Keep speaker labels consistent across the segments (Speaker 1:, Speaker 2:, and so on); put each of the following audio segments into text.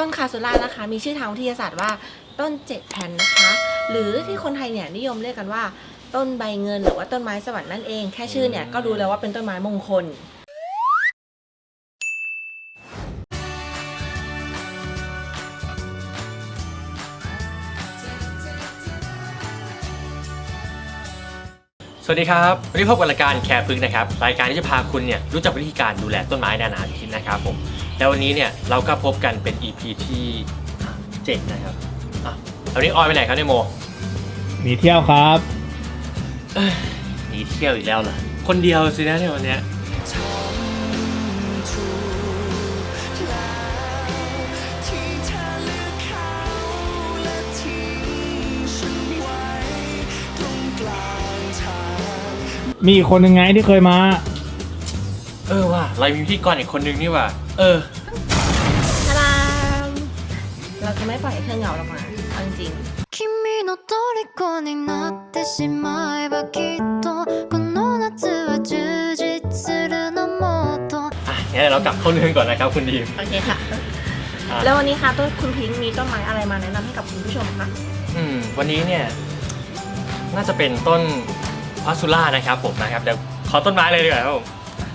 Speaker 1: ต้นคาซูล่านะคะมีชื่อทางวิทยาศาสตร์ว่าต้น7แผ่นนะคะหรือที่คนไทยเนี่ยนิยมเรียกกันว่าต้นใบเงินหรือว่าต้นไม้สวรรค์นั่นเองแค่ชื่อเนี่ยก็รู้แล้วว่าเป็นต้นไม้มงคล
Speaker 2: สวัสดีครับวันนี้พบกับรายการแคร์พึกนะครับรายการที่จะพาคุณเนี่ยรู้จักวิธีการดูแลต้นไม้นานาชนิดนะครับผมแล้ววันนี้เนี่ยเราก็พบกันเป็น EP ที่7นะครับวันนี้ออยไปไหนครับเนี่ยโม
Speaker 3: หนีเที่ยวครับ
Speaker 2: หนีเที่ยวอีกแล้วเหรอคนเดียวสินะในวันเนี้ย
Speaker 3: มีอีกคนหนึ่งไงที่เคยมา
Speaker 2: ว่าเรามีพิธีกรอีกคนนึงนี่ว่า
Speaker 1: ทารามเราจะไม่ปล่อยให้เธอเหงาหรอกนะเอาจริง
Speaker 4: 君の虜になってしまえばきっとこの夏は充実するのもっと
Speaker 2: งั้นเรากลับเข้าเรื่องก่อนนะครับคุณดีม
Speaker 1: โอเคค่ะแล้ววันนี้ค่ะต้นคุณพิงค์มีต้นไม้อะไรมาแนะนำให้กับคุณผู้ชมคะ
Speaker 2: วันนี้เนี่ยน่าจะเป็นต้นพาซูล่านะครับผมนะครับเดี๋ยวขอต้นไม้เลยดีกว่าครับผม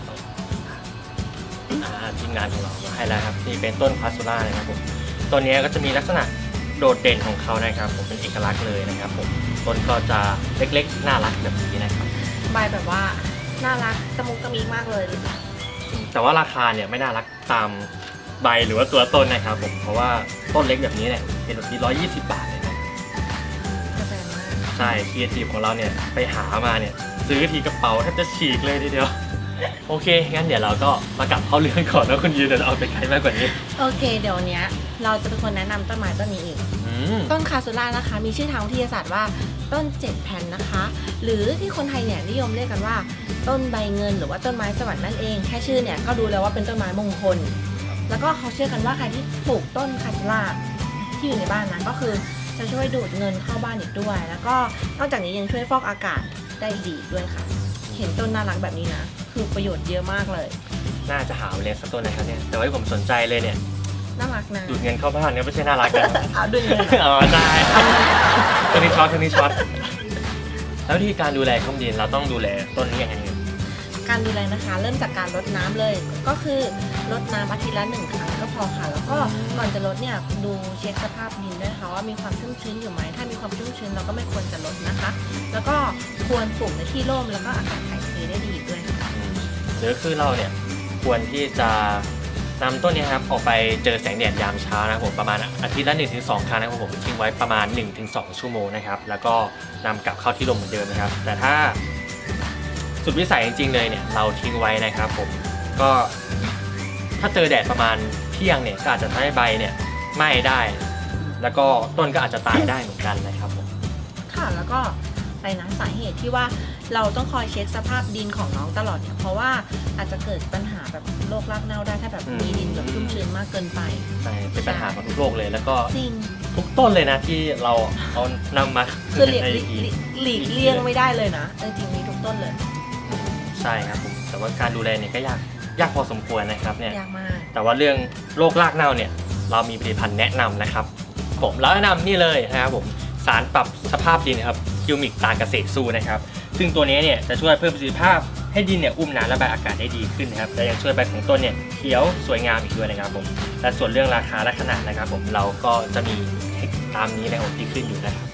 Speaker 2: ทีมงานของเราให้แล้วครับนี่เป็นต้นพาซูล่านะครับผมต้นนี้ก็จะมีลักษณะโดดเด่นของเขานะครับผมเป็นเอกลักษณ์เลยนะครับผมต้นก็จะเล็กๆน่ารักแบบนี้นะครับ
Speaker 1: ใบแบบว่าน่ารักตะมุกตะมิกมากเลย
Speaker 2: แต่ว่าราคาเนี่ยไม่น่ารักตามใบหรือว่าตัวต้นนะครับผมเพราะว่าต้นเล็กแบบนี้เนี่ยเป็นแบบที่120 บาทเลยนะใช่ครีเอทีฟของเราเนี่ยไปหามาเนี่ยซื้อทีกระเป๋าแทบจะฉีกเลยทีเดียวโอเคงั้นเดี๋ยวเราก็มากลับเข้าเรื่องก่อนแล้วคุณยืนเดี๋ยวเอาไปไกลมากกว่านี้
Speaker 1: โอเคเดี๋ยวนี้เราจะเป็นคนแนะนำต้นไม้ต้นนี้อีกต้นคาซูล่านะคะมีชื่อทางวิทยาศาสตร์ว่าต้น7แผ่นนะคะหรือที่คนไทยเนี่ยนิยมเรียกกันว่าต้นใบเงินหรือว่าต้นไม้สวรรค์นั่นเองแค่ชื่อเนี่ยก็รู้แล้วว่าเป็นต้นไม้มงคลแล้วก็เขาเชื่อกันว่าใครที่ปลูกต้นคาซูล่าที่อยู่ในบ้านนะก็คือจะช่วยดูดเงินเข้าบ้านอีกด้วยแล้วก็นอกจากนี้ยังช่วยฟอกอากาศได้ดีด้วยค่ะเห็นต้นน่ารักแบบนี้นะคือประโยชน์เยอะมากเลย
Speaker 2: น่าจะหาเลี้ยงสักต้นนะครับเนี่ยแต่ว่าที่ผมสนใจเลยเนี่ย
Speaker 1: น่ารักนะ
Speaker 2: ดูดเงินเข้าบ้านเนี่ยไม่ใช่น่ารักนะ
Speaker 1: เอาดูดเงิน
Speaker 2: ใช่ต้นนี้ช็อตแล้ววิธีการดูแลข้องดินเราต้องดูแลต้นนี้ยังไง
Speaker 1: การดูแลนะคะเริ่มจากการรดน้ำเลยก็คือรดน้ำอาทิตย์ละ1 ครั้งก็พอค่ะแล้วก็ก่อนจะรดเนี่ยดูเช็คสภาพดินด้วยค่ะว่ามีความชุ่มชื้นอยู่ไหมถ้ามีความชุ่มชื้นเราก็ไม่ควรจะรดนะคะแล้วก็ควรปลูกในที่ร่มแล้วก็อากาศถ่ายเทได้ดีด้วย
Speaker 2: หรือคือเราเนี่ยควรที่จะนำต้นนี้ครับออกไปเจอแสงแดดยามเช้านะครับผมประมาณอาทิตย์ละ 1-2 ครั้งนะครับผมทิ้งไว้ประมาณ 1-2 ชั่วโมงนะครับแล้วก็นำกลับเข้าที่ร่มเหมือนเดิมนะครับแต่ถ้าสุดวิสัยจริงๆเลยเนี่ยเราทิ้งไว้นะครับผมก็ถ้าเจอแดดประมาณเที่ยงเนี่ยก็อาจจะทำให้ใบเนี่ยไหม้ได้แล้วก็ต้นก็อาจจะตายได้เหมือนกันนะครับผม
Speaker 1: ค่ะแล้วก็ไปนะสาเหตุที่ว่าเราต้องคอยเช็คสภาพดินของน้องตลอดเนี่ยเพราะว่าอาจจะเกิดปัญหาแบบโรครากเน่าได้ถ้าแบบมีดินแบบชุ่มชื้นมากเกินไป
Speaker 2: ใช่เป็นปัญหาของทุกโรคเลยแล้วก็ทุกต้นเลยนะที่เราเอานำมา
Speaker 1: คือหลีกเลี่ยงไม่ได้เลยนะจริงๆมีทุกต้นเลย
Speaker 2: ใช่ครับผมแต่ว่าการดูแลเนี่ยก็ยากพอสมควรนะครับเนี่ย
Speaker 1: ยากมาก
Speaker 2: แต่ว่าเรื่องโรครากเน่าเนี่ยเรามีผลิตภัณฑ์แนะนำนะครับผมแล้วแนะนำนี่เลยนะครับผมสารปรับสภาพดินนะครับคิวมิกตาเกษตรสู้นะครับซึ่งตัวนี้เนี่ยจะช่วยเพิ่มประสิทธิภาพให้ดินเนี่ยอุ้มน้ำระบายอากาศได้ดีขึ้นนะครับและยังช่วยใบของต้นเนี่ยเขียวสวยงามอีกด้วยนะครับผมและส่วนเรื่องราคาและขนาดนะครับผมเราก็จะมีตามนี้นะครับที่ขึ้นอยู่นะครับ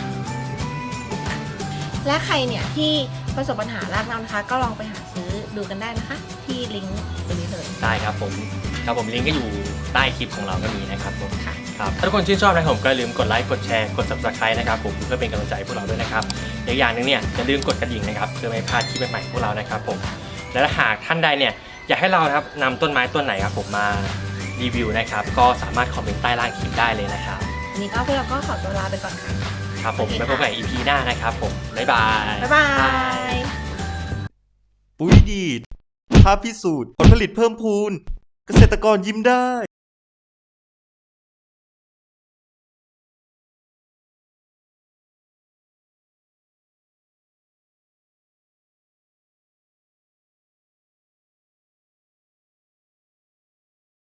Speaker 1: และใครเนี่ยที่ประสบปัญหารากเน่านะคะก็ลองไปหาซื้อดูกันได้นะคะที่ลิงก์ตัวนี้เลย
Speaker 2: ได้ครับผมลิงก์ก็อยู่ใต้คลิปของเราก็มีนะครับผมครับถ้าทุกคนชื่นชอบนะครับผมก็อย่าลืมกดไลค์กดแชร์กด Subscribe นะครับผมเพื่อเป็นกำลังใจพวกเราด้วยนะครับอีกอย่างหนึ่งเนี่ยอย่าลืมกดกระดิ่งนะครับเพื่อไม่พลาดคลิปใหม่ๆพวกเรานะครับผมและถ้าหากท่านใดเนี่ยอยากให้เรานะครับนำต้นไม้ต้นไหนครับผมมารีวิวนะครับก็สามารถคอมเมนต์ใต้ล่างคลิปได้เลยนะครับ
Speaker 1: วันนี้ก็พวกเราก็ขอตัวลาไปก่อนค่ะ
Speaker 2: ครับผมไว้พบกัน EP หน้านะครับผมบ๊ายบาย
Speaker 5: ปุ๋ยดีดท้าพิสูจน์ผลผลิตเพิ่มพูนเกษตรกรยิ้มได้